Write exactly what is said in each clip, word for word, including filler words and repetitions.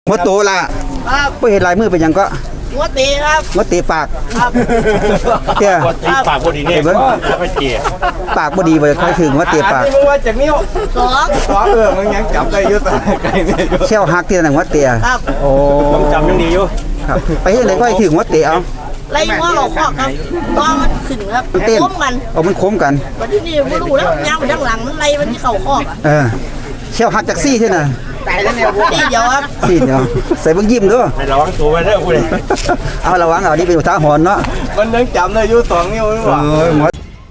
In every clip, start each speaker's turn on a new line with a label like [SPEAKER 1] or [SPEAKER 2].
[SPEAKER 1] หัวโตละ
[SPEAKER 2] ครับ
[SPEAKER 1] บ่เห็นลายมือเป็นหยังก็
[SPEAKER 2] หัวตีครับ
[SPEAKER 1] หัวเตะปาก
[SPEAKER 2] ครับ
[SPEAKER 1] เตี้ย
[SPEAKER 3] ตีปากพอดีเนี่ยไม่เกี่ย
[SPEAKER 1] ปากบ่ดีบ่ค่อยถึงหัวเตะปาก
[SPEAKER 4] มึงว่าจากนิ้ว
[SPEAKER 2] สอง
[SPEAKER 4] สองเออมึงยังจับได้อยู่ตาไกลเนี่ยอยู่
[SPEAKER 1] แค่วหักที่นั่นหัวเตะ
[SPEAKER 2] ครับ
[SPEAKER 1] โอ้
[SPEAKER 3] ต้องจำยังดีอยู่
[SPEAKER 1] ครับไปเฮ็ดไหนก็ให้ถึงหัวเตะเอา
[SPEAKER 2] ไล่หัวเราคอกครับตอนมันขึ้นครับ
[SPEAKER 1] มันเต้น
[SPEAKER 2] ล้มกัน
[SPEAKER 1] เอามันโค้งกัน
[SPEAKER 2] วันที่นี่ไม่รู้แล้วย่างไปด้านหลังมันไล่มันที่เข่าคอกอ่ะ
[SPEAKER 1] เออแค่วหักจากซี่เท่านั้น
[SPEAKER 2] ตายแล้วเนี่ยนี่เดียวครับ
[SPEAKER 1] ซี่เดียวใส่เบิ่งยิ้มด้วย
[SPEAKER 3] ให้ระวังตัวไว้เด้อคุณ
[SPEAKER 1] เอาระวังเอานี่เป็นอุทาหรณ์เนาะ
[SPEAKER 4] มันยังจับได้อยู่สองนิ้วหรือเปล่า
[SPEAKER 1] เอ้ยหมอ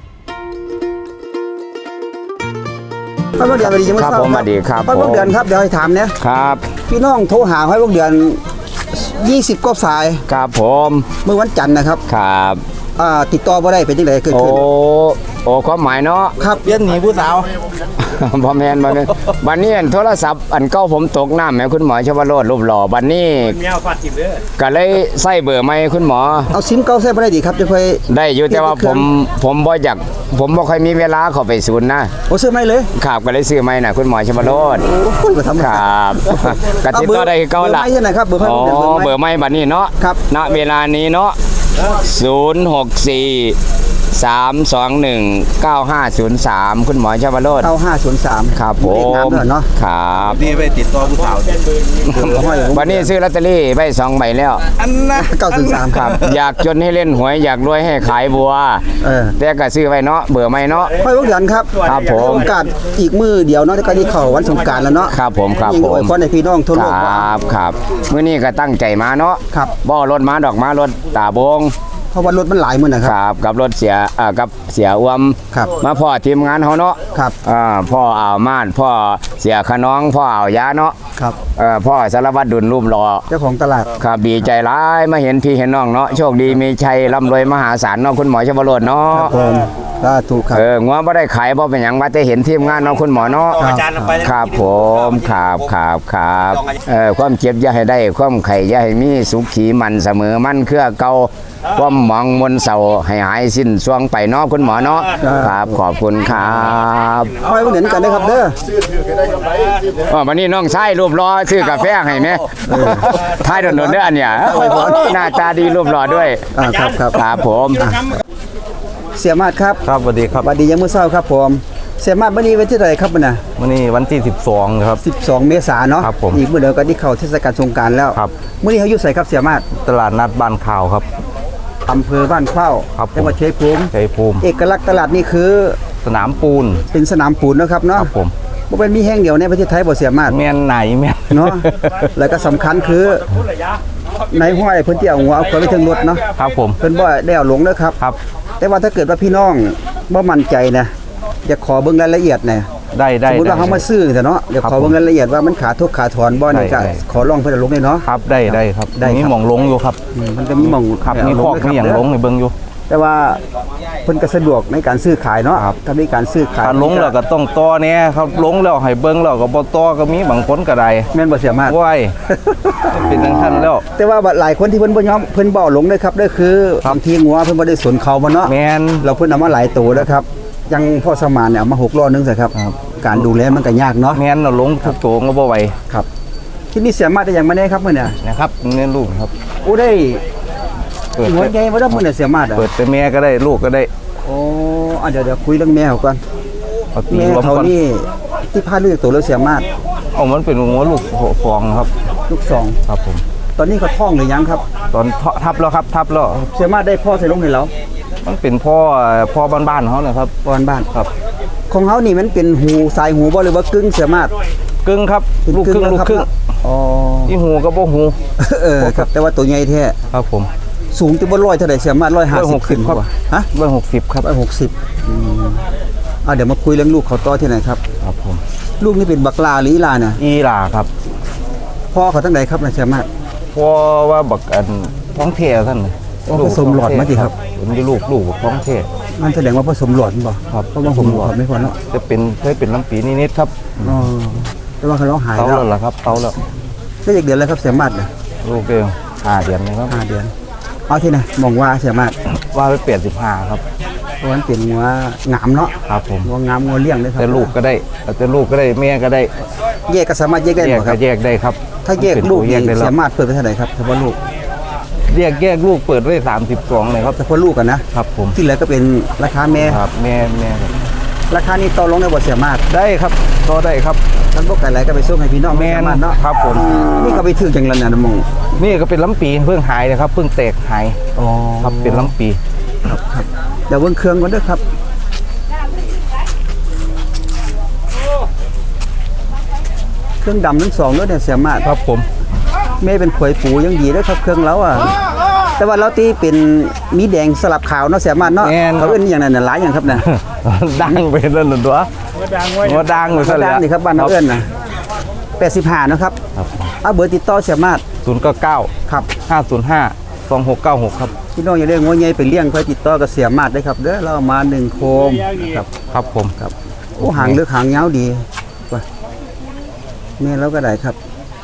[SPEAKER 1] พ่อพวกเดือนสวัสดีจัง
[SPEAKER 5] ครับผมสวัสดีครับ
[SPEAKER 1] พ่อพวก
[SPEAKER 5] ผม
[SPEAKER 1] เดือนครับเดี๋ยวให้ถามเนี่ย
[SPEAKER 5] ครับ
[SPEAKER 1] พี่น้องโทรหาให้พวกเดือนยี่สิบกว่าสาย
[SPEAKER 5] ครับผม
[SPEAKER 1] เมื่อวันจันทร์นะครับ
[SPEAKER 5] ครับ
[SPEAKER 1] อ่าติดต่อบ่ได้เป็นจังไดเกิด
[SPEAKER 5] โอ้
[SPEAKER 1] ขึ้น
[SPEAKER 5] โอ้ความหมายเนาะ
[SPEAKER 1] ครับ
[SPEAKER 4] เลี้ยนหนีผู้สาว
[SPEAKER 5] พ่อแม่นบ่แม่นบัดนี้อันโทรศัพท์อันเก่าผมตกน้ำแหมคุณหมอชวโรจน์รูปหล่อบัดนี้
[SPEAKER 3] แมวฟาดจิบเด้อ
[SPEAKER 5] ก็เลยใส่เบอร์ใหม่คุณหมอ
[SPEAKER 1] เอาซิมเก่าใส่บ่ได้ดีครับจะค่อย
[SPEAKER 5] ได้อยู่แต่ว่าผมผมบ่อยากผมบ่ค่อยมีเวลาเข้าไปศูนย์นะ
[SPEAKER 1] โอ้ซื้อไม่เลย
[SPEAKER 5] ครับก็เลยซื้อใหม่น่ะคุณหมอชวโรจน์
[SPEAKER 1] โอ้คนก็ทำ
[SPEAKER 5] ครับก็ติดต่อได้คือเก่าล่ะ
[SPEAKER 1] เบอร์ไม่ใช่ไหนครับเบอร์พ่อ
[SPEAKER 5] อ๋อ
[SPEAKER 1] พวกเดือน
[SPEAKER 5] เบอร์ใหม่บัดนี้เนาะ
[SPEAKER 1] ครับ
[SPEAKER 5] ณเวลานี้เนาะศูนย์ หก สี่ สาม สอง หนึ่ง เก้า ห้า ศูนย์ สาม คุณหมอชวโรจน์
[SPEAKER 1] เก้าห้าศูนย์สาม
[SPEAKER 5] ครับผ
[SPEAKER 1] เวียดนาม
[SPEAKER 5] ม
[SPEAKER 1] ด้วยเนาะ
[SPEAKER 5] ครับ
[SPEAKER 4] ดีไปติดต่อผู้สาว
[SPEAKER 5] วันนี้ซื้อลอตเตอรี่ใบสองใบแล้ว
[SPEAKER 4] อันนะ
[SPEAKER 1] เก้าศูนย์สาม
[SPEAKER 5] ครับ อยากจนให้เล่นหวยอยากรวยให้ขายบัว
[SPEAKER 1] เออ
[SPEAKER 5] แต่ก็ซื้อไว้เนาะเบื่อไม่เนาะ
[SPEAKER 1] พ่อพวกเดือนครับ
[SPEAKER 5] ครับผม
[SPEAKER 1] โอกาสอีกมือเดียวเนาะที่ก็ที่เข้าวันสงกรานต์แล้วเนาะ
[SPEAKER 5] ครับผมครับ
[SPEAKER 1] ยิง
[SPEAKER 5] ผ
[SPEAKER 1] อวย
[SPEAKER 5] ม
[SPEAKER 1] พรให้พี่น้องทั่ว
[SPEAKER 5] ค
[SPEAKER 1] โลก
[SPEAKER 5] รับครับมื้อนี้ก็ตั้งใจมาเนาะ
[SPEAKER 1] ครับ
[SPEAKER 5] บ่รถมาดอกมารถตาบง
[SPEAKER 1] เพราะว่ารถมันหลายมื้อนะค
[SPEAKER 5] ครับ รับกับรถเสียอ่ากับเสียอวม
[SPEAKER 1] ครับ
[SPEAKER 5] มาพ่อทีมงานเฮาเนาะ
[SPEAKER 1] ครับ
[SPEAKER 5] อ่าพ่ออ่าวม่านพ่อเสียขน้องพ่ออ่าวยาเนาะ
[SPEAKER 1] ครับ
[SPEAKER 5] เอ่อพ่อสารวัตรดุลรูปหล่อ
[SPEAKER 1] เจ้าของตลาด
[SPEAKER 5] ครับดีใจร้ายมาเห็นพี่เห็นน้องเนาะโชคดีมีชัยร่ำรวยมหาศาลเนาะคุณหมอชวโรจน์เนาะ
[SPEAKER 1] ผมสาธุครับ
[SPEAKER 5] เอองัวบ่ได้ขายบ่เป็นหยังว่าแต่เห็นทีมงานเนาะคุณหมอเนาะ
[SPEAKER 3] อาจารย์ไป
[SPEAKER 5] ครับผมครับครับครับเออความเจ็บอย่าให้ได้ความไข่อย่าให้มีสุขีมันเสมอมันเครือเก่าความหมองมนเศร้าให้หายสิ้นช่วงไปเนาะคุณหมอเนาะครับขอบคุณครับ
[SPEAKER 1] คอยพวกเดือนกันนะครับเด้อ
[SPEAKER 5] อ๋อวันนี้น้องชายรูปรอซื้อกาแฟให้แม่ท้ายถนนเด้ออันเนี่ยหน้าตาดีรูปรอด้วย
[SPEAKER 1] อ่าครับครับ
[SPEAKER 5] ครับผม
[SPEAKER 1] เสียมาดครับ
[SPEAKER 4] ครับสวัสดีครับ
[SPEAKER 1] สวัสดียามมื้อเช้าครับผมเสียมาดมื้อนี้วันที่เท่าไหร่ครับมื้อน่ะ
[SPEAKER 4] วันนี้วันที่สิบสองครับ
[SPEAKER 1] สิบสองเมษายนเนาะ
[SPEAKER 4] ครับผม
[SPEAKER 1] อีกมื้อเดียวก็ที่เข้าเทศกาลสงกรานต์แล้ว
[SPEAKER 4] ครับ
[SPEAKER 1] มื้อนี้เขาอยู่ไสครับเสียมาด
[SPEAKER 4] ตลาดนัดบ้านข่าวครับ
[SPEAKER 1] อำเภอบ้านเข้า
[SPEAKER 4] ครับผม
[SPEAKER 1] จังหวัดชัยภูมิ
[SPEAKER 4] ชัยภูมิ
[SPEAKER 1] เอกลักษณ์ตลาดนี่คือ
[SPEAKER 4] สนามปูน
[SPEAKER 1] เป็นสนามปูนเนาะครับเนาะ
[SPEAKER 4] ครับผม
[SPEAKER 1] บ่เป็นมีแห่งเดียวในประเทศไทยบ่เสียมาด
[SPEAKER 4] แม่นไหนแม่น
[SPEAKER 1] เนาะ แล้วก็สำคัญคือในห้อยเพิ่นสิเอาหัวเอาคนไปถึงรถเนาะ
[SPEAKER 4] ครับผม
[SPEAKER 1] เพิ่นบ่ได้เอาลงเด้อครับ
[SPEAKER 4] ครับ
[SPEAKER 1] แต่ว่าถ้าเกิดว่าพี่น้องบ่มั่นใจนะอยากขอเบิ่งรายละเอียดหน่อย
[SPEAKER 4] ได้
[SPEAKER 1] ส
[SPEAKER 4] ได้
[SPEAKER 1] มมุติว่า
[SPEAKER 4] ได้
[SPEAKER 1] เฮามาซื้อซะเนาะอยาก
[SPEAKER 4] ครับ
[SPEAKER 1] ขอเบิ่งรายละเอียดว่ามันขาดทุกขาถอนบ่นี่
[SPEAKER 4] ได้
[SPEAKER 1] ก็
[SPEAKER 4] ได้
[SPEAKER 1] ขอลองเพิ่นเอาลงได้เนาะ
[SPEAKER 4] ครับได้ได้ครับ
[SPEAKER 1] ได้ครับ
[SPEAKER 4] มีหม่องลงอยู่ครับ
[SPEAKER 1] อืมมันก็มีหม่อง
[SPEAKER 4] ครับ
[SPEAKER 1] ให้
[SPEAKER 4] มี
[SPEAKER 1] เา
[SPEAKER 4] คอก
[SPEAKER 1] ด้วย
[SPEAKER 4] มีอย่าง
[SPEAKER 1] ครับ
[SPEAKER 4] ลงให้เบิ่งอยู่
[SPEAKER 1] แต่ว่าเพิ่นก็สะดวกในการซื้อขายเนาะถ้ามีการซื้อขาย
[SPEAKER 4] ถ้าลงแล้วก็ต้องต่อแน่ครับลงแล้วให้เบิ่งแล้วก็บ่ต่อก็มีบางคนก็ได้
[SPEAKER 1] แม่นบ่เสียมาก
[SPEAKER 4] ว้ายเป็นจังซั่นแล้ว
[SPEAKER 1] แต่ว่าหลายคนที่เพิ่นบ่ยอมเพิ่นบ่เอาลงเด้อครับเด้อคือบางทีงัวเพิ่นบ่ได้สนเขาบ่เนาะ
[SPEAKER 4] แม่น
[SPEAKER 1] เราเพิ่นเอามาหลายตัวแล้วครับยังพ่อสมานเนี่ยเอามาหกล้อนึงซะครับ การดูแลมันก็ยากเนาะ
[SPEAKER 4] แม่นเราลงทุกตัวก็บ่ไหว
[SPEAKER 1] ครับที่นี่เสียมากได้อย่างมาแน่ครับมื้อเนี่ย
[SPEAKER 4] นะครับนี่ลูกครับ
[SPEAKER 1] โอ้ได้
[SPEAKER 4] เปิด
[SPEAKER 1] หัวใหญ่บ่ได้มื้อเนี่ยเสียมากอ่ะ
[SPEAKER 4] เปิดแต่แม่ก็ได้ลูกก็ได้
[SPEAKER 1] โอ้อ่ะเดี๋ยวเดี๋ยวคุยเรื่องแม่เขาก่อน
[SPEAKER 4] เอาตี
[SPEAKER 1] แม่
[SPEAKER 4] รวม
[SPEAKER 1] เขา
[SPEAKER 4] ก่อน
[SPEAKER 1] นี่ที่พาลูกตัวแล้วเสียมาก
[SPEAKER 4] เอามันเป็นหัวลูกฟองครับ
[SPEAKER 1] ลูกสอง
[SPEAKER 4] ครับผม
[SPEAKER 1] ตอนนี้เขาท้องหรือยังครับ
[SPEAKER 4] ตอนทับแล้วครับทับแล้ว
[SPEAKER 1] เสียมากได้พ่อใส่ลงให้เรา
[SPEAKER 4] มันเป็นพ่อพ่อบ้านๆเขานะครับ
[SPEAKER 1] บ้านบ้าน
[SPEAKER 4] ครับ
[SPEAKER 1] ของเขานี่มันเป็นหูสายหูบ่หรือว่ากึ่งเสียมาก
[SPEAKER 4] กึ่งครับ
[SPEAKER 1] เป็น
[SPEAKER 4] ลูกครึ่ง
[SPEAKER 1] แว
[SPEAKER 4] ลูก
[SPEAKER 1] รับ
[SPEAKER 4] ครึ่ง
[SPEAKER 1] อ๋อ
[SPEAKER 4] อีหูก็บ่หู
[SPEAKER 1] เออครับแต่ว่าตัวใหญ่แท้
[SPEAKER 4] ครับผม
[SPEAKER 1] สูงที่บ่ร้อยเท่าไหร่เสียมากร้อยห้าสิบ
[SPEAKER 4] 160
[SPEAKER 1] ขึ้น
[SPEAKER 4] ครับ
[SPEAKER 1] กว่าฮะ
[SPEAKER 4] ร้อยหกสิบครับ
[SPEAKER 1] ร้อยหกสิบอืมอ่ะเดี๋ยวมาคุยเรื่องลูกเขาต่อที่ไหนครับ
[SPEAKER 4] ครับผม
[SPEAKER 1] ลูกนี่เป็นบักลาหรืออีลาเนี่ย
[SPEAKER 4] อีหลาครับ
[SPEAKER 1] พ่อเขาตั้งไหนครับนะเสียมาก
[SPEAKER 4] พ่อว่าบักอันท้องเทท่านน่ะ
[SPEAKER 1] อ๋อผสมหลอดมาสิครับ
[SPEAKER 4] ผมจะลูกลูกท้องเท
[SPEAKER 1] มันแสดงว่าผสมหลอดบ่
[SPEAKER 4] ครับ
[SPEAKER 1] เพราะว่าผมหลอดไม่พอเนาะ
[SPEAKER 4] จะเป็นเคยเป็นลำปีนิดๆครับ
[SPEAKER 1] อ๋อแต่ว่าเขาเราหาย
[SPEAKER 4] เตา
[SPEAKER 1] แล้ว
[SPEAKER 4] แล้วล่ะครับเตาแล้ว
[SPEAKER 1] ได้จากเดือนแล้วครับเสียมากเนี่ย
[SPEAKER 4] ลูกเดียวห้าเดือนนะครับ
[SPEAKER 1] ห้าเดือนเอาที่ไหนมองว่าเสียมาก
[SPEAKER 4] ว่าไปเปลี่ยนสิบห้าครับ
[SPEAKER 1] เพราะมันเป็นงัวงามเนาะ
[SPEAKER 4] ครับผม
[SPEAKER 1] งัวงามงัวเลี้ยงเลยครับ
[SPEAKER 4] แต่ลูกก็ได้แต่ลูกก็ได้แม่ก็ได้
[SPEAKER 1] แยกก็สามารถแยกได้
[SPEAKER 4] แย
[SPEAKER 1] ห
[SPEAKER 4] ก
[SPEAKER 1] มดค
[SPEAKER 4] ก็
[SPEAKER 1] รับ
[SPEAKER 4] แยกได้ครับ
[SPEAKER 1] ถ้าแยกลูก
[SPEAKER 4] แย
[SPEAKER 1] นี่
[SPEAKER 4] กได้แล้ว
[SPEAKER 1] สามารถเปิดไปเท่าไหร่ครับเฉพาะลูก
[SPEAKER 4] แยกแยกลูกเปิดไว้สามสิบสองเลยครับ
[SPEAKER 1] เฉพาะลูกกันนะครับ
[SPEAKER 4] ผม
[SPEAKER 1] ที่เหลือก็เป็นราคาแม่
[SPEAKER 4] ครับแม่แม่ครับ
[SPEAKER 1] ราคานี้ต่อรองได้บ่สามารถ
[SPEAKER 4] ได้ครับก็ได้ครับ
[SPEAKER 1] ท่านบ่ไก่ไหลก็ไปส่งให้พี่น้อง
[SPEAKER 4] แม่น
[SPEAKER 1] สามารถเนาะ
[SPEAKER 4] ครับผม
[SPEAKER 1] นี่ก็ไปถึงจังแล้วนะมอง
[SPEAKER 4] นี่ก็เป็นลำปีเพิ่งหายนะครับเพิ่งแตกหาย
[SPEAKER 1] อ๋อ
[SPEAKER 4] ครับเป็นลำปี
[SPEAKER 1] เดี๋ยวเบิ่งเครื่องก่อนเด้อครับเครื่องดำทั้งสองเด้อเนี่ยสามารถ
[SPEAKER 4] ครับผม
[SPEAKER 1] แม่เป็นขวยปูยังดีเด้อครับเครื่องเราอ่ะแต่ว่าเราตีเป็นมีแดงสลับขาวเนาะสามารถเนาะเขาเอิ้นอย่างนั้นน่ะหลายอย่างครับน่ะ
[SPEAKER 4] ดังไปนั่นหนึ่งตัวว่าดังไปซะแล้
[SPEAKER 1] ด้าน
[SPEAKER 4] ว
[SPEAKER 1] นี่ครับบ้านเราเอิ้นน่ะแปดสิบห้าเนาะครับเอาเบอร์ติดต่อสามารถ
[SPEAKER 4] ศูนย์เก้าเก้า
[SPEAKER 1] ครับ
[SPEAKER 4] ห้าศูนย์ห้าสองหกเก้าหกครับ
[SPEAKER 1] พี่น้องอย่าได้งัวใหญ่ไปเลี้ยงค่อยติดต่อกับเสียมาดได้ครับเด้อเราเอามาหนึ่งโคมนะครับ
[SPEAKER 4] ครับผม
[SPEAKER 1] ครับโอ้หางเลือกหางยาวดีว่ะแม่เราก็ได้ครับ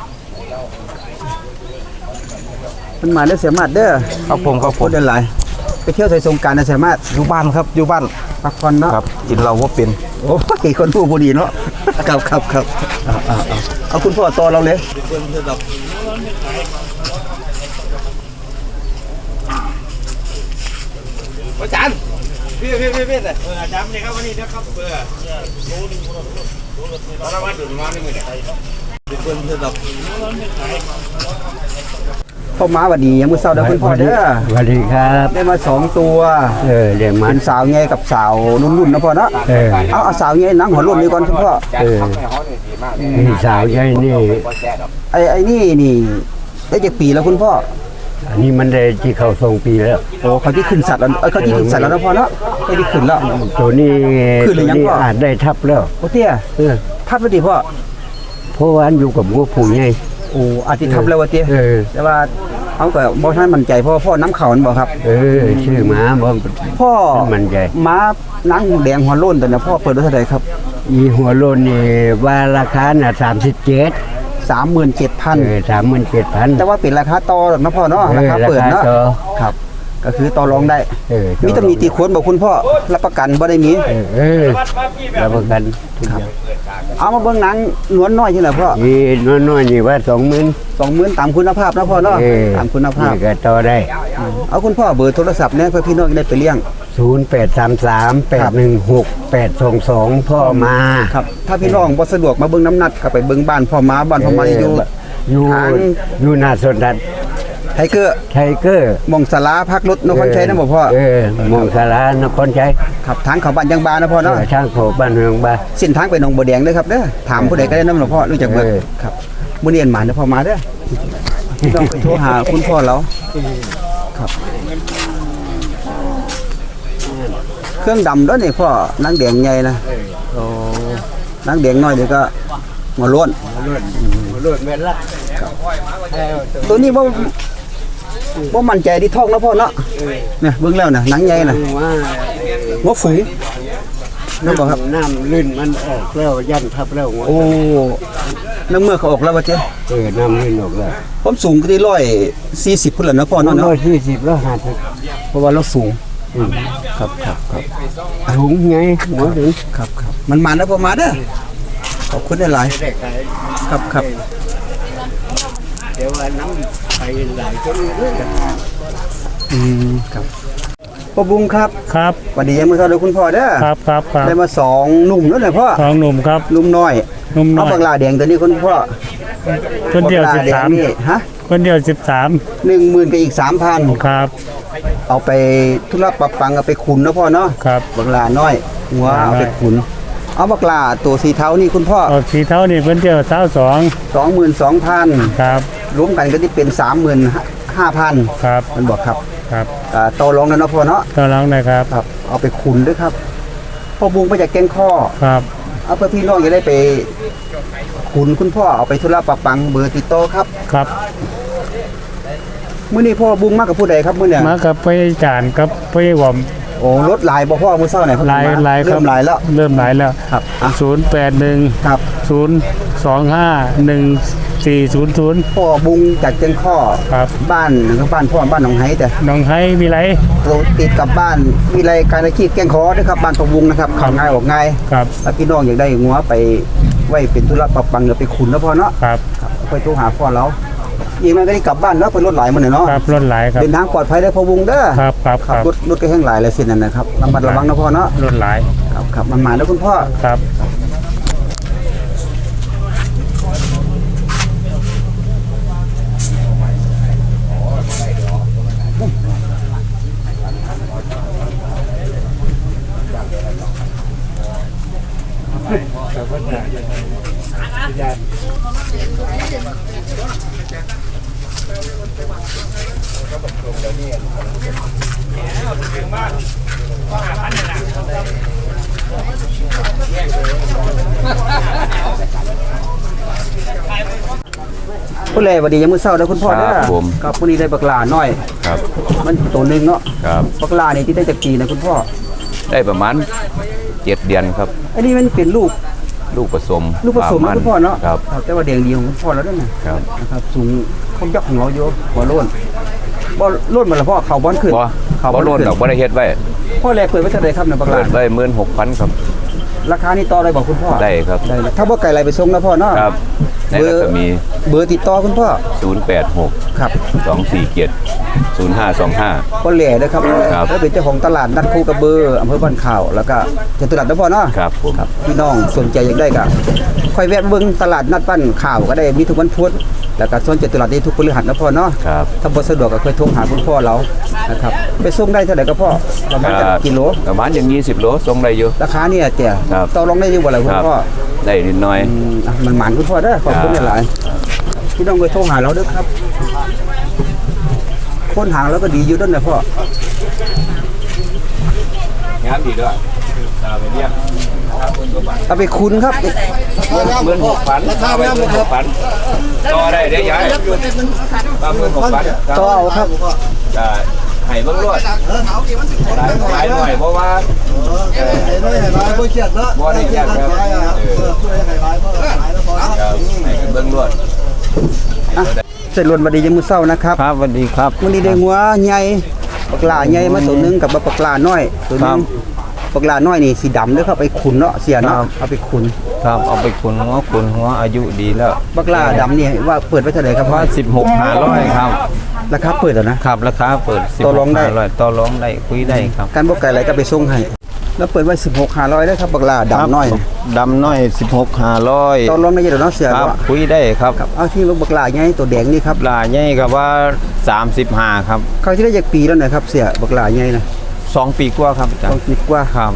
[SPEAKER 1] มันมาได้อเสียมาดเด้อ
[SPEAKER 4] ครับผมครับ
[SPEAKER 1] โค
[SPEAKER 4] ผม
[SPEAKER 1] ตรได้หลายไปเที่ยวใส่สงกรารนะเสียมาด
[SPEAKER 4] อยู่บ้านครับอยู่บ้าน
[SPEAKER 1] พักผ่อนเนาะ
[SPEAKER 4] ครับกินเราว่าเป็น
[SPEAKER 1] โอ้ยคนผู้ผู้ดีเนาะครับครับครับเอาเอาเอาเอาคุณพ่อต่อเราเลย
[SPEAKER 3] อาจารย์พี่พี่พี่พี่เอออาจารย์นี่ครับวันนี้นะครับเบอร์รู้นึงรู้รู้รู้รู้แล้วว่าดูงานนี่มือเนี่ยเป็นเพื่อนเพื่อนเรา
[SPEAKER 1] พ่อม้าหวัดดียังมือเศร้าเด้อคุณพ่อเด้อ
[SPEAKER 6] สวัสดีครับ
[SPEAKER 1] ได้มาสองตัว
[SPEAKER 6] เออเดี๋ยวมั
[SPEAKER 1] เป็น นสาวใหญ่กับสาวรุ่นๆนะพ่อเนาะ
[SPEAKER 6] เออ
[SPEAKER 1] เอาเอาสาวใหญ่หนังหัวรุ่นนี้ก่อนคุณพ่อ
[SPEAKER 6] เออนี่สาวใหญ่นี่
[SPEAKER 1] ไอ้ไอ้นี่นี่ได้จากปีแล้วคุณพ่อ
[SPEAKER 6] อันนี้มันได้ที่เขาส่งปีแล้ว
[SPEAKER 1] โอ้เขาที่ขึ้นสัตว์แล้วเอ้ยเขาที่ขึ้นสัตว์แล้วนะพ่อเนาะเขาที่ขึ้นแล้ว
[SPEAKER 6] ตัวนี้
[SPEAKER 1] ขึ้นหรือยัง
[SPEAKER 6] ตัวนี้
[SPEAKER 1] พ่อ
[SPEAKER 6] อาจได้ทับแล้ว
[SPEAKER 1] โอ้เตี้ย
[SPEAKER 6] เออ
[SPEAKER 1] ทับแล้วดิพ่อ
[SPEAKER 6] เพราะว่าอันอยู่กับวัวผู้ใหญ่
[SPEAKER 1] โอ้อาจจะทับแล้ววะเตี้ย
[SPEAKER 6] เออ
[SPEAKER 1] แต่ว่าเอาก็บ่ทันมั่นใจเพราะว่าพ่อน้ำเขามันบ่ครับ
[SPEAKER 6] เออชื่อหมาบ่
[SPEAKER 1] พ่อ
[SPEAKER 6] มันใจ
[SPEAKER 1] ม้าหนังแดงหัวโล้นแต่เนี่ยพ่อเปิดไว้เท่าไหร่ครับ
[SPEAKER 6] อีหัวโลนนี่ว่าราคาน่ะสามสิบเจ็ด
[SPEAKER 1] สามหมื่นเจ็ดพัน
[SPEAKER 6] เออสามหมื่นเจ็ดพัน
[SPEAKER 1] แต่ว่าเป็นราคาต่อนะพ่อเนาะราคาเปิดเนาะ
[SPEAKER 6] ต่อ
[SPEAKER 1] ครับ ก็คือต่อรองได้
[SPEAKER 6] เออ
[SPEAKER 1] มีตำหนิตีโค้นบอกคุณพ่อรับประกันบ่ได้มี
[SPEAKER 6] เออเออรับประกันทุกอย่าง
[SPEAKER 1] เอามาเบิ่งหนังนวลน้อยนี่แหละพ่อ
[SPEAKER 6] อีน้อยๆนี่ว่าสองหมื่น
[SPEAKER 1] สองหมื่นตามคุณภาพนะพ่อเนาะ
[SPEAKER 6] เออ
[SPEAKER 1] ตามคุณภาพ
[SPEAKER 6] นี่ก็ต่อได้
[SPEAKER 1] เอาคุณพ่อเบอร์โทรศัพท์เนี่ยเพื่อพี่น้องจะได้ไปเลี้ยง
[SPEAKER 6] ศูนย์แปดสามสามแปดหนึ่งหกแปดสองสองพ่อมา
[SPEAKER 1] ครับ ถ้าพี่น้องบ่สะดวกมาเบิ่งน้ำหนักก็ไปเบิ่งบ้านพ่อม้าบ้านพ่อม้าอยู่
[SPEAKER 6] อยู่
[SPEAKER 1] ทาง
[SPEAKER 6] อยู่หน้าสวนดัด
[SPEAKER 1] ไทเกอร์
[SPEAKER 6] ไทเกอร์
[SPEAKER 1] หมองสาราพักรถนครชัยนะบ่พ่อ
[SPEAKER 6] เออมองสารานครชัย
[SPEAKER 1] ครับทางเขาบ้านยังบานะพ่อ
[SPEAKER 6] เอ
[SPEAKER 1] เนาะ
[SPEAKER 6] อช่างโขบ้านเมืองบ้าน
[SPEAKER 1] เส้นทางไปหนองบัวแดงเด้อครับเด้อถามผู้ใดก็ได้นำหลวงพ่อรู้จักเบิด
[SPEAKER 6] เออ
[SPEAKER 1] ครับมื้อนี้เอ็นหมาเด้อพ่อมาเด้อพี่น้องไปโทรหาคุณพ่อเราครับ เครื่องดำด้วยนี่พ่อนางแดงใหญ่นะโอ้นางแดงน้อยเดี๋ยวก็หัวโล้น
[SPEAKER 6] รถเวลา
[SPEAKER 1] ตัวนี้บ่บ่มั่นใจที่ท้องแล้วพ่อเนาะเนี่ยเบิ่งแล้วน่ะหนังใหญ่น่ะ
[SPEAKER 6] ว่า
[SPEAKER 1] หัวฝูงนั่นบ่ครับ
[SPEAKER 6] น้ำลื่นมันออกแล้วยันทับแล้ว
[SPEAKER 1] โอ้น้ำเมื่อเขาออกแล้วว่าเจ๊
[SPEAKER 6] เออน้ำลื่นออกแล้ว
[SPEAKER 1] ผมสูงก็ที่ร้อยสี่สิบพุ่นแหละนะพ่อเนาะ
[SPEAKER 6] ร้
[SPEAKER 1] เนาะ
[SPEAKER 6] อยสี่สิบแล้วห้าสิบ
[SPEAKER 1] เพราะว่าเราสูงครับครับครับ
[SPEAKER 6] ถุงไงหมอถึง
[SPEAKER 1] ครับครับมันมาแล้วพ่อมาเด้อขอบคุณหลายๆครับครับ
[SPEAKER 6] เดี๋ยวว่าน้ำไปหลายคนเลย
[SPEAKER 1] อืมครับพ่อบุ้งครับ
[SPEAKER 7] ครับ
[SPEAKER 1] สวัสดียังมือเท่าเดียวคุณพ่อเด้อ
[SPEAKER 7] ครับครับครับ
[SPEAKER 1] ได้มาสองหนุ่มแล้วนะพ่อ
[SPEAKER 7] สองหนุ่มครับ
[SPEAKER 1] หนุ่มน้อย
[SPEAKER 7] หนุ่มน้
[SPEAKER 1] เอา
[SPEAKER 7] อย
[SPEAKER 1] บักลาแดงตัวนี้คุณพ่อ
[SPEAKER 7] คนเดียว
[SPEAKER 1] บัก
[SPEAKER 7] สิ
[SPEAKER 1] ลา
[SPEAKER 7] บ
[SPEAKER 1] แด
[SPEAKER 7] สาง ม
[SPEAKER 1] นี่ฮะ
[SPEAKER 7] คนเดียวสิบสาม
[SPEAKER 1] หนึ่งหมื่นกับอีกสามพัน
[SPEAKER 7] ครับ
[SPEAKER 1] เอาไปธุระปรับปังเอาไปขุนนะพ่อเนาะ
[SPEAKER 7] ครับ
[SPEAKER 1] บักลาน้อยหัวเอาไปขุน เอาบักลาตัวสีเทานี่คุณพ่อ
[SPEAKER 7] เอาสีเท่านี่เพิ่นเดียวเท้าสอง
[SPEAKER 1] สองหมื่นสองพัน
[SPEAKER 7] ครับ
[SPEAKER 1] รวมกันก็ที่เป็นสามหมื่นห้าพัน
[SPEAKER 7] ครับ
[SPEAKER 1] มันบอกครับ
[SPEAKER 7] ครับ
[SPEAKER 1] อ่าต่อรองแล้วเนาะพ่อเนาะ
[SPEAKER 7] ต่อรองได้ครับ
[SPEAKER 1] ครับ เอาไปขุนด้วยครับพ่อบุ้งไปจากแกงข้อ
[SPEAKER 7] ครับ
[SPEAKER 1] เอาเพื่อพี่น้องจะได้ไปขุนคุณพ่อเอาไปธุระปะปังเบอร์ติดต่อครับ
[SPEAKER 7] ครับ
[SPEAKER 1] มื้อนี้พ่อบุ้งมากับผู้ใดครับมื้อเนี่ย
[SPEAKER 7] มากับพี่จานกับพี่หวอม
[SPEAKER 1] โอ้รถหลายบ่พ่อมื้อเช้าไหนครับ
[SPEAKER 7] หลายหลายครั
[SPEAKER 1] เริ่
[SPEAKER 7] บ
[SPEAKER 1] มหลายแล้ว
[SPEAKER 7] เริ่มหลายแล้ว
[SPEAKER 1] ครับอ่ะ
[SPEAKER 7] ศูนย์แปดหนึ่ง
[SPEAKER 1] ครับ
[SPEAKER 7] ศูนย์สองห้าหนึ่งสี่ศูนย์ศูนย์
[SPEAKER 1] พ่อบุ้งจากแกงข้อ
[SPEAKER 7] ครับ
[SPEAKER 1] บ้านนะครับบ้านพ่อบ้านหนองไห้แต่
[SPEAKER 7] น้องไห้มีไร
[SPEAKER 1] เราติดกับบ้านวิไลการอาชีพแกงคอด้วยครับบ้านพ่อบุ้งนะครับเข้าง่ายออกง่าย
[SPEAKER 7] ครับ
[SPEAKER 1] ถ้าพี่น้องอยากได้งัวไปไว้เป็นธุระปรับปังเดี๋ยวไปขุนแล้วพ่อเนาะ
[SPEAKER 7] ครับ
[SPEAKER 1] ครับค่อยโทรหาพ่อเราอีกมันก็ได้กลับบ้านเนาะไปรถหลายมื้อเนาะ
[SPEAKER 7] ครับรถหลายครับ
[SPEAKER 1] เดินทางปลอดภัยได้พอวงเด้อ
[SPEAKER 7] ครับครับครับ
[SPEAKER 1] รถรถก็แห้งหลายเลยสินั่นนะครับระมัดระวังนะพ่อเนาะ
[SPEAKER 7] รถหลาย
[SPEAKER 1] ครับครับมันมาแล้วคุณพ่อ
[SPEAKER 7] ครับ
[SPEAKER 1] ผู้แลวันดียังมื้อเช้าเด้อคุณพ่อเด้อ
[SPEAKER 4] ครับผม
[SPEAKER 1] ครับมื้อนี้ได้บักหลาน้อย
[SPEAKER 4] ครับ
[SPEAKER 1] มันตัวหนึงเนาะ
[SPEAKER 4] ครับ
[SPEAKER 1] บักหลานี่ที่ได้จากปีนะคุณพ่อ
[SPEAKER 4] ได้ประมาณเจ็ดเดือนครับ
[SPEAKER 1] อันนี้มันเป็นลูก
[SPEAKER 4] ลูกผสม
[SPEAKER 1] ลูกผสม
[SPEAKER 4] ป
[SPEAKER 1] นะ
[SPEAKER 4] ระาณ
[SPEAKER 1] คุณพ่อเนาะ
[SPEAKER 4] ครับ
[SPEAKER 1] แต่ว่าแดงดีของคุณพ่อแล้วด้วยนะครับ นะครับสูงคงยักษ์ของเราอยู่บ่โล้นบ่โล้นมาแล้วพ่อเขาบ่อนขึ้น
[SPEAKER 4] บ่
[SPEAKER 1] เขา
[SPEAKER 4] บ่
[SPEAKER 1] บ่
[SPEAKER 4] โล
[SPEAKER 1] อน
[SPEAKER 4] น
[SPEAKER 1] ขึ้น
[SPEAKER 4] ดอกบ่ได้เฮ็ดไว้
[SPEAKER 1] พ่อแลเปิดไว้เท่าไหร่ครับในบักห
[SPEAKER 4] เปิ
[SPEAKER 1] ลา
[SPEAKER 4] ดไว้หมื่นหกพันครับ
[SPEAKER 1] ราคานี่ต่อได้บ่คุณพ่อ
[SPEAKER 4] ได้ครับ
[SPEAKER 1] ได้เลยถ้าบ่ไก่ไรไปส่งนะพ่อเนาะ
[SPEAKER 4] ครับในรัศมี
[SPEAKER 1] เบอร์ติดต่อคุณพ่อ
[SPEAKER 4] ศูนย์แปดหก
[SPEAKER 1] ครับ
[SPEAKER 4] สองสี่เจ็ดศูนย์ห้าสองห้า
[SPEAKER 1] พ่อแหล่เด้อครับ
[SPEAKER 4] ครับ
[SPEAKER 1] แล้วเป็นเจ้าของตลาดนัดคูกระเบืออำเภอบ้านข่าวแล้วก็จตุรัสนะพ่อเนาะ
[SPEAKER 4] ครับผม
[SPEAKER 1] ครับพี่น้องสนใจอยากได้ก็ค่อยแวะเบิ่งตลาดนัดบ้านข่าวก็ได้มีทุกวันพุธแล้วก็ส่วนจตุรัสนี่ทุกพฤหัสนะพ่อเนาะ
[SPEAKER 4] ครับ
[SPEAKER 1] ถ้าบ่สะดวกก็เคยโทรหาคุณพ่อเรานะครับไปส่งได้เท่าไหร่ก็พ่อประมาณจักกิโล
[SPEAKER 4] ประมาณอย่างยี่สิบโลส่งได้อยู่
[SPEAKER 1] ราคาเนี่ยแต่
[SPEAKER 4] ครับ
[SPEAKER 1] ต่อรองได้อยู่บ่ล่ะคุ
[SPEAKER 4] ค
[SPEAKER 1] ณ
[SPEAKER 4] รับ
[SPEAKER 1] พ่อ
[SPEAKER 4] ได้นิดหน่อย
[SPEAKER 1] อืมอ่ะมันหมานคุณพ่อเด้อขอบคุณ
[SPEAKER 4] ครับ
[SPEAKER 1] หลายๆพี่น้องเคยโทรหาเราเด้อครับคนหางแล้วก็ดีอยู่เด้อนะพ่อง
[SPEAKER 4] านดีด้วยตาไปเรียก
[SPEAKER 1] เอาไปคุณครับ
[SPEAKER 4] หมื่นหกพันราคาไม่หมื่นหกพันต่อได้เดี๋ยวย้ายมาหมื่นหกพัน
[SPEAKER 1] ต่อเอาครับ
[SPEAKER 4] จะให้เบิ่งรวดหลายหลายหน่อยเพราะว่าเอ่อบ่ได้แยกครับเออครับให้เบิ่งรวด
[SPEAKER 1] อ่ะเสร็จล้วนบัดนี้ยังมื้อเช้านะครับ
[SPEAKER 4] ครับสวัสดีครับ
[SPEAKER 1] มื้อนี้ได้หัวใหญ่ปลาหลาใหญ่มาตัวหนึงกับปลาหลาน้อยตัวหนึงปลาหลาน้อยนี่สีดำเด้อครับไปขุนเนาะเสียเนาะเอาไปขุน
[SPEAKER 4] ครับเอาไปขุนหัวขุนหัวอายุดีแล้ว
[SPEAKER 1] ปลาหลาดำนี่ว่าเปิดไว้เท่าไหร่ครับพ่อ
[SPEAKER 4] ว่าสิบหกห้าร้อยครับ
[SPEAKER 1] ราคาเปิดแล้วนะ
[SPEAKER 4] ครับราคาเปิดสิบ
[SPEAKER 1] ต่
[SPEAKER 4] ห
[SPEAKER 1] อรอง
[SPEAKER 4] ก
[SPEAKER 1] ได้
[SPEAKER 4] ห้าร้อยต่อรองได้คุยได้ครับ
[SPEAKER 1] การบ่ไก่อะไรก็ไปส่งให้แล้วเปิดไว้สิบหก ห้าร้อยได้อครับปลาหลาดำน้อย
[SPEAKER 4] ดำน้อยสิบหกห้าร้อย
[SPEAKER 1] ต่อรองได้อยู่แล้วเนาะเสีย
[SPEAKER 4] ครับ
[SPEAKER 1] เนาะ
[SPEAKER 4] คุยได้ครับ
[SPEAKER 1] ครับเอาที่ปลาหลาใหญ่ตัวแดงนี่ครับ
[SPEAKER 4] ปลาใหญ่กับว่าสามสิบห้าครับ
[SPEAKER 1] เขาที่ได้จากปีแล้วนะครับเสียปลาหลาใหญ่นะ
[SPEAKER 4] สองปีกว่าครับอาจาร
[SPEAKER 1] ต้อง
[SPEAKER 4] ย์
[SPEAKER 1] คิดว่า
[SPEAKER 4] ครับ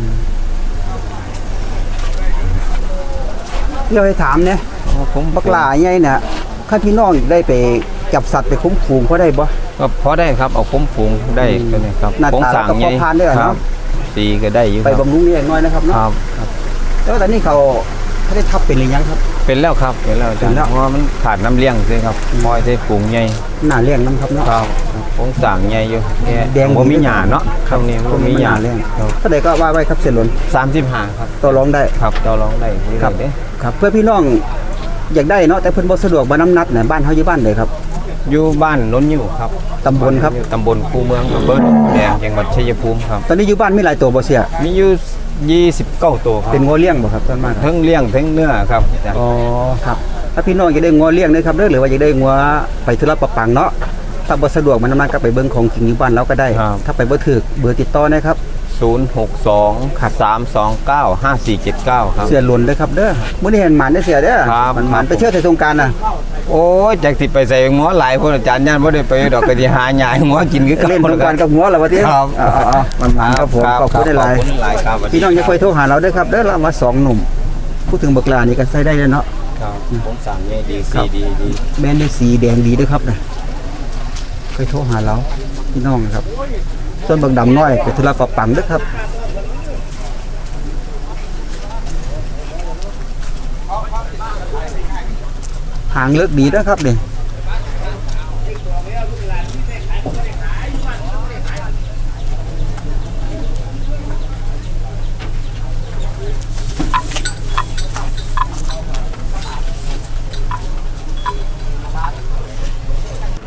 [SPEAKER 1] เราให้ถามเนี่ย
[SPEAKER 4] ผม
[SPEAKER 1] ปลาหลาใหญ่น่ะข้าพี่น้องได้ไปจับสัตว์ไปคุ้มฝูงเขาได้บ่
[SPEAKER 4] ก็พอได้ครับเอาคุ้มฝูงได้ก็เนี่ยครับ
[SPEAKER 1] หน้าตา
[SPEAKER 4] ผงสั่ง
[SPEAKER 1] แล้วก็พอทานได้เหรอ
[SPEAKER 4] ค
[SPEAKER 1] เนาะ
[SPEAKER 4] รับตีก็ได้อยู่
[SPEAKER 1] ไป
[SPEAKER 4] ครับ
[SPEAKER 1] บำรุงเลี้ยงน้อยนะครับ
[SPEAKER 4] ค
[SPEAKER 1] เนาะ
[SPEAKER 4] รับ
[SPEAKER 1] แล้วตอนนี้เขาเขาได้ทับเป็นหรือยังครับ
[SPEAKER 4] เป็นแล้วครับเป็นแล้วอาจาร
[SPEAKER 1] เป็น
[SPEAKER 4] ย์
[SPEAKER 1] แล้ว
[SPEAKER 4] เพราะว่ามันขาดน้ำเลี้ยงใช่ครับมอยใส่ฝูงใหญ่
[SPEAKER 1] หน้าเลี้ยงน้ำครับเนาะ
[SPEAKER 4] ครับผงสั่งใหญ่อยู่แค่
[SPEAKER 1] แดง
[SPEAKER 4] บ่มีหญ้าเนาะครับนี่บ่มีหญ้า
[SPEAKER 1] เลี้ยงเท่าใดก็ว่าไว้ครับเสียหลน
[SPEAKER 4] สามสิบห้าครับ
[SPEAKER 1] ต่อรองได้
[SPEAKER 4] ครับต่อรองได้คุย
[SPEAKER 1] ครั
[SPEAKER 4] ได้
[SPEAKER 1] บ
[SPEAKER 4] เด้
[SPEAKER 1] ครับเพื่อพี่น้องอยากได้เนาะแต่เพิ่นบ่สะดวกมาน้ำนัดน่ะบ้านเฮาอยู่บ้านใดครับ
[SPEAKER 4] อยู่บ้านล้นอยู่ครับ
[SPEAKER 1] ตำบลครับ
[SPEAKER 4] ตำบลคูเมืองอำเภอหนองแดงจังหวัดชัยภูมิครับ
[SPEAKER 1] ตอนนี้อยู่บ้านมีหลายตัวบ่เสีย
[SPEAKER 4] มีอยู่ยี่สิบเก้าตัวครับ
[SPEAKER 1] เป็นงัวเลี้ยงบ่ครับส่วนมาก
[SPEAKER 4] ทั้งเลี้ยงทั้งเนื้อครับอาจารย์
[SPEAKER 1] อ๋อครับถ้าพี่น้องอยากได้งัวเลี้ยงนะครับเด้อหรือว่าอยากได้งัวไปธุระปะปังเนาะถ้าบ่สะดวกมาน้ำนัดก็ไปเบิ่งของจริงอยู่บ้านเราก็ได้ ถ้าไปบ่ถูกเบอร์ติดต่อนะครับ
[SPEAKER 4] ศูนย์หกสองสามสองเก้าห้าสี่เจ็ดเก้าครับ
[SPEAKER 1] เสียหล่นเด้อครับเด้อมื้อนี้เห็นหมานได้อเสียเด้อ
[SPEAKER 4] ครับ
[SPEAKER 1] มันหมานไปเที่ยวแต่สงกรานต์น่ะ
[SPEAKER 4] โอ้ยจากสิไปใส่หัวหลายคนอาจารย์ย่านบ่ได้ไปดอกก็สิหาหยายหัวกินคือ
[SPEAKER 1] เล่นสงกรานต์กับหัวแล้วว่าติ
[SPEAKER 4] ครับ
[SPEAKER 1] อ๋อๆมันหมานครับผมขอบคุณหลาย
[SPEAKER 4] ขอบคุณหลายครับ
[SPEAKER 1] ๆพี่น้องอย่าค่อยโทรหาเราเด้อครับเด้อเรามาสองหนุ่มพูดถึงบักลานี่ก็ใช้ได้เลยเนาะ
[SPEAKER 4] ครับผมสั่งใหญ่ดีสีดีดี
[SPEAKER 1] แม่นได้สีแดงดีด้วยครับนะค่อยโทรหาเราพี่น้องครับส่วนบักดำน้อยไปธุระปะปังเด้อครับหางเลิกดีเด้อครับนี่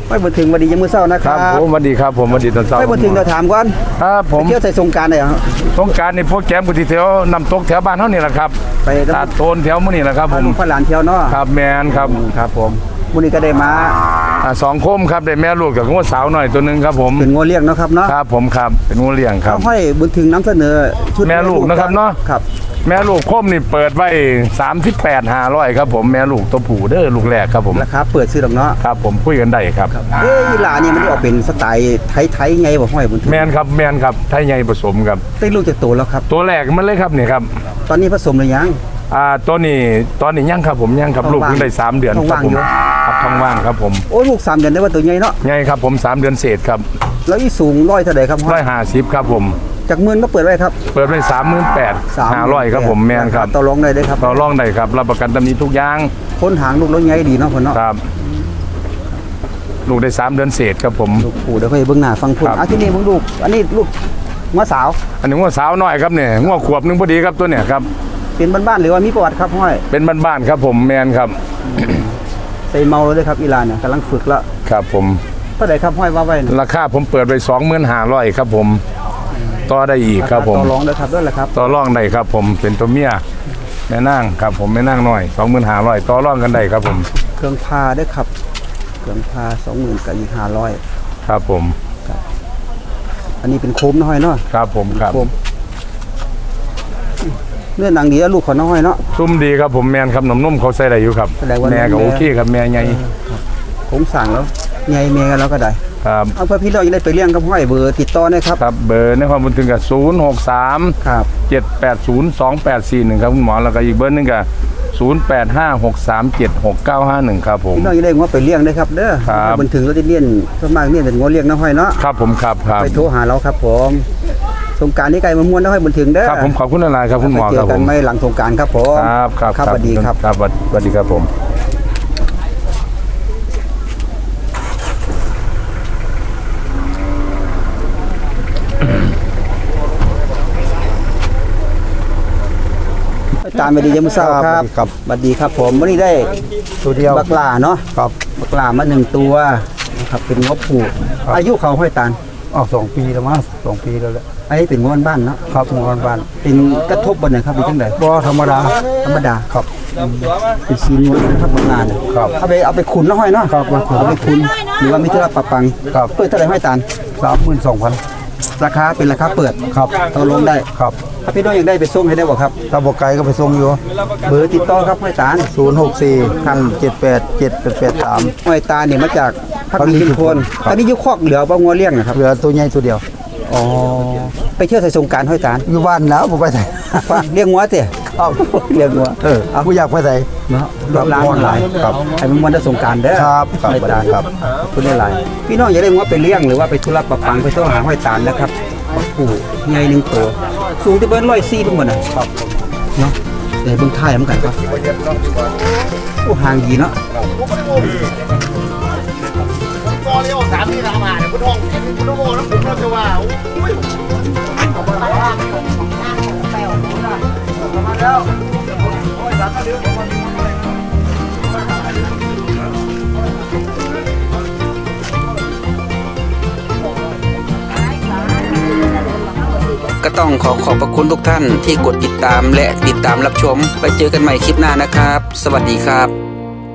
[SPEAKER 1] ไปบ่ถึงวันดียังมื้อเช้านะค
[SPEAKER 8] ค
[SPEAKER 1] รั
[SPEAKER 8] รั
[SPEAKER 1] บบ
[SPEAKER 8] ผมสวัสดีครับผมสวัสดีตอนเช้า
[SPEAKER 1] ไปบ่ถึงเราถามก่อน
[SPEAKER 8] ครับผม
[SPEAKER 1] ไปเที่ยวใส่สงกรานต์ได้เหรอ
[SPEAKER 8] สงกรารนี่โปรแกรมกุฏิแถวนำตกแถวบ้านเฮานี่แหละครับ
[SPEAKER 1] ไป
[SPEAKER 8] ตาดโตนแถวมื้อนี่แหละครับ
[SPEAKER 1] พา
[SPEAKER 8] ผม
[SPEAKER 1] ลูกพาหลานเที่ยวเนาะ
[SPEAKER 8] ครับแมนครับครับผม
[SPEAKER 1] มื้อนี้ก็ได้มา
[SPEAKER 8] อ่าสองโคมครับได้แม่ลูกกับงัวสาวหน่อยตัวหนึงครับผม
[SPEAKER 1] เป็นงัวเลี้ยงเนาะครับเนาะ
[SPEAKER 8] ครับผมครับเป็นงัวเลี้ยงครับ
[SPEAKER 1] ห้อยบุญถึงนำเสนอชุด
[SPEAKER 8] แม่ลูกนะครับเนาะ
[SPEAKER 1] ครับ
[SPEAKER 8] แม่ลูกโคมนี่เปิดไว้สามสิบแปดห้าร้อยครับผมแม่ลูกตัวผู้เด้อลูกแรกครับผม
[SPEAKER 1] ราคาเปิดซื้อดอกเนาะ
[SPEAKER 8] ครับผมคุยกันได้ครับ
[SPEAKER 1] เอ้ยอีหลานี่มันได้ออกเป็นสไตล์ไทยๆไงบ่ห้อยบุญถึง
[SPEAKER 8] แมนครับแมนครับไทยใหญ่ผสมครับ
[SPEAKER 1] ได้ลูกจากโตแล้วครับ
[SPEAKER 8] ตัวแรกมันเลยครับนี่ครับ
[SPEAKER 1] ตอนนี้ผสมหรือยัง
[SPEAKER 8] อ่าตัวนี้ตอนนี้ยังครับผมยังครับ
[SPEAKER 1] ท้อง
[SPEAKER 8] ลูก
[SPEAKER 1] ว่าง
[SPEAKER 8] เพิ่งได้สามเดือน
[SPEAKER 1] ท้อง
[SPEAKER 8] ครับ
[SPEAKER 1] ว่าง
[SPEAKER 8] ผม
[SPEAKER 1] อยู่
[SPEAKER 8] ครับท้องว่างครับผม
[SPEAKER 1] โอ้ลูกสามเดือนได้ว่าตัวใหญ่เนาะ
[SPEAKER 8] ใหญ่ครับผมสามเดือนเศษครับ
[SPEAKER 1] แล้วอีสูงร้อยเท่าใดครับห้
[SPEAKER 8] ร้
[SPEAKER 1] อ
[SPEAKER 8] อย ยห้าสิบครับผม
[SPEAKER 1] จากหมื่นก็เปิดไว้ครับ
[SPEAKER 8] เปิดเป็นสามหมื่นแปดห้าร้อยครับผมแมนครับ
[SPEAKER 1] ต่อรองได้เด้อครับ
[SPEAKER 8] ต่อรองได้ครับรับประกันตำหนี้ทุกอย่าง
[SPEAKER 1] คนหางลูกแล้วใหญ่ดีเนาะคนเนาะ
[SPEAKER 8] ครับ ลูกได้สามเดือนเศษครับผม
[SPEAKER 1] ลูกปู่เดี๋ยวค่อยเบิ่งหน้าฟังพุ่น
[SPEAKER 8] ครับ
[SPEAKER 1] อ่ะที่นี่มึงลูกอันนี้ลูกงัวสาว
[SPEAKER 8] อันนี้งัวสาวน้อยครับเนี่ยงัวขวบหนึงพอดีครับตัวเนี่ยครับ
[SPEAKER 1] เป็นบ้านๆหรือว่ามีประวัติครับห้อย
[SPEAKER 8] เป็นบ้านๆครับผมแมนครับ
[SPEAKER 1] ใส่เมาแล้วเด้อครับอีหลานเนี่ยกำลังฝึกละ
[SPEAKER 8] ครับผม
[SPEAKER 1] เท่าใดครับห้อยว่าไว้เนี่ย
[SPEAKER 8] ราคาผมเปิดไปสองหมื่นห้าร้อยครับผมต่อได้อีกครับผม
[SPEAKER 1] ต่อรองเด้อครับด้วยแหละครับ
[SPEAKER 8] ต่อรองได้ครับผมเป็นตัวเมียแม่นางครับผมแม่นางน้อยสองหมื่นห้าร้อยต่อรองกันได้ครับผม
[SPEAKER 1] เครื่องพาเด้อครับเครื่องพาสองหมื่นกับอีกห้าร้อย
[SPEAKER 8] ครับผม
[SPEAKER 1] อันนี้เป็นโคมน้อยเนาะ
[SPEAKER 8] ครับผมครับ
[SPEAKER 1] โคมเนื้อหนังดีแล้วลูกเขาน้อยเนาะ
[SPEAKER 8] ซุ่มดีครับผมแมนครับนมนุ่มเขาใส่ได้อยู่ครับ
[SPEAKER 1] แสดงว่า
[SPEAKER 8] แม่ก็
[SPEAKER 1] แม่
[SPEAKER 8] โอเคครับแม่ใหญ่
[SPEAKER 1] ผมสั่งแล้วใหญ่เมียกันแล้วก็ได้
[SPEAKER 8] ครับ
[SPEAKER 1] เอาเพื่อพี่น้องจะได้ไปเลี้ยงกับห้อยเบอร์ติดต่อนะครับ
[SPEAKER 8] ครับเบอร์ในความบันทึกกับศูนย์หกสาม
[SPEAKER 1] ครับ
[SPEAKER 8] เจ็ดแปดศูนย์สองแปดสี่หนึ่งครับคุณหมอแล้วก็อีกเบอร์หนึงกับศูนย์แปดห้าหกสามเจ็ดหกเก้าห้าหนึ่งครับผม
[SPEAKER 1] พี่น้องจะได้งัวไปเลี้ยงได้ครับเด้อ
[SPEAKER 8] ครับ
[SPEAKER 1] บนถึงเราจะเลี้ยงส่วนมากเลี้ยงเป็นงัวเลี้ยงน้าห้อยเนาะ
[SPEAKER 8] ครับผมครับครับ
[SPEAKER 1] ไปโทรหาเราครับผมสงกรารนี้ไกลมามวนน้าห้อยบนถึงเด้อ
[SPEAKER 8] ครับผมขอบคุณอะไรครับคุณหมอ
[SPEAKER 1] ไปเจ
[SPEAKER 8] ครั
[SPEAKER 1] อบ
[SPEAKER 8] ผ
[SPEAKER 1] กัน
[SPEAKER 8] ม
[SPEAKER 1] ไม่หลังสงกรารครับผม
[SPEAKER 8] ครับครับ
[SPEAKER 1] ครับสวัสดีครับ
[SPEAKER 8] ครับสวัสดีครับผม
[SPEAKER 1] ตามไปดียามมื้อเช้าครับ
[SPEAKER 6] ครับ
[SPEAKER 1] สวัสดีครับผมวันนี้ได้
[SPEAKER 6] ตัวเดียว
[SPEAKER 1] บักหลาเนาะ
[SPEAKER 6] ครับ
[SPEAKER 1] บักหลามาหนึ่งตัวนะครับเป็นงบผูกอายุเขาห้อยตาล
[SPEAKER 6] ออกสองปีแล้วมั้งสองปีแล้วแหละ
[SPEAKER 1] อันนี้เป็นงวนบ้านเนาะ
[SPEAKER 6] ครับหมู่บ้านบ้าน
[SPEAKER 1] เป็นกระทบบนไหนครับเป็นจังได
[SPEAKER 6] บ่ธรรมดา
[SPEAKER 1] ธรรมดา
[SPEAKER 6] ครับ
[SPEAKER 1] เป็นซีนงวนนะครับบางงาน
[SPEAKER 6] ครับ
[SPEAKER 1] เอาไปเอาไปขุนแล้วห้อยเนาะ
[SPEAKER 6] ครับไปขุน
[SPEAKER 1] เอาไปขุนหรือว่ามีธุระปะปัง
[SPEAKER 6] ครับ
[SPEAKER 1] เปิดเท่าไหร่ห้อยตาล
[SPEAKER 6] สามหมื่นสองพัน
[SPEAKER 1] ราคาเป็นราคาเปิด
[SPEAKER 6] ครับ
[SPEAKER 1] ต่อรองได้
[SPEAKER 6] ครับ
[SPEAKER 1] ถ้าพี่น้องอยากได้ไปส่งให้ได้บ่ครับ
[SPEAKER 6] ถ้าบอกไกลก็ไปส่งอยู่
[SPEAKER 1] เบอร์ติดต่อครับห้อยตาล
[SPEAKER 6] ศูนย์หกสี่พันเจ็ดแปดเจ็ดแปดแปดสาม
[SPEAKER 1] ห้อยตาลเนี่ยมาจากพักดีชุมพล
[SPEAKER 6] ครับ
[SPEAKER 1] ตอนนี้อยุคอกเหลือบ่งัวเลี้ยงนะครับ
[SPEAKER 6] เหลือตัวใหญ่ตัวเดียว
[SPEAKER 1] อ๋อไปเที่ยวใส่สงกรารห้อยตาล
[SPEAKER 6] อยู่บ้านแล้วผมไปไหน
[SPEAKER 1] ว่าเลี้ยงงัวเตะ
[SPEAKER 6] เอา
[SPEAKER 1] เลี้ยงงัว
[SPEAKER 6] เออกูอยากไปไหน
[SPEAKER 1] เนาะ
[SPEAKER 6] ครับ
[SPEAKER 1] ร้านหลาย
[SPEAKER 6] ครับ
[SPEAKER 1] ให้มันมันได้สงกรารเด้อ
[SPEAKER 6] ครับครับ
[SPEAKER 1] ห้อยตาล
[SPEAKER 6] ครับ
[SPEAKER 1] คุณได้หลายพี่น้องอย่าได้งัวไปเลี้ยงหรือว่าไปธุระปะปังไปต้องหาห้อยตาลนะครับผู้ใหญ่หนึ่งตัวสูงที่เบิ้ลร้อยสี่ทุกคนนะครับเนาะเดี๋ยวเบิ่งท้ายมันกันครับโอ้ห่างดีเนาะ
[SPEAKER 3] ก็เรียกว่าสามที่สามหาเนี่ยคุณทองคุณทองแล้วผมเราจะว่าอุ้ย
[SPEAKER 1] ก็ต้องขอขอบพระคุณทุกท่านที่กดติดตามและติดตามรับชมไปเจอกันใหม่คลิปหน้านะครับ สวัสดีครับ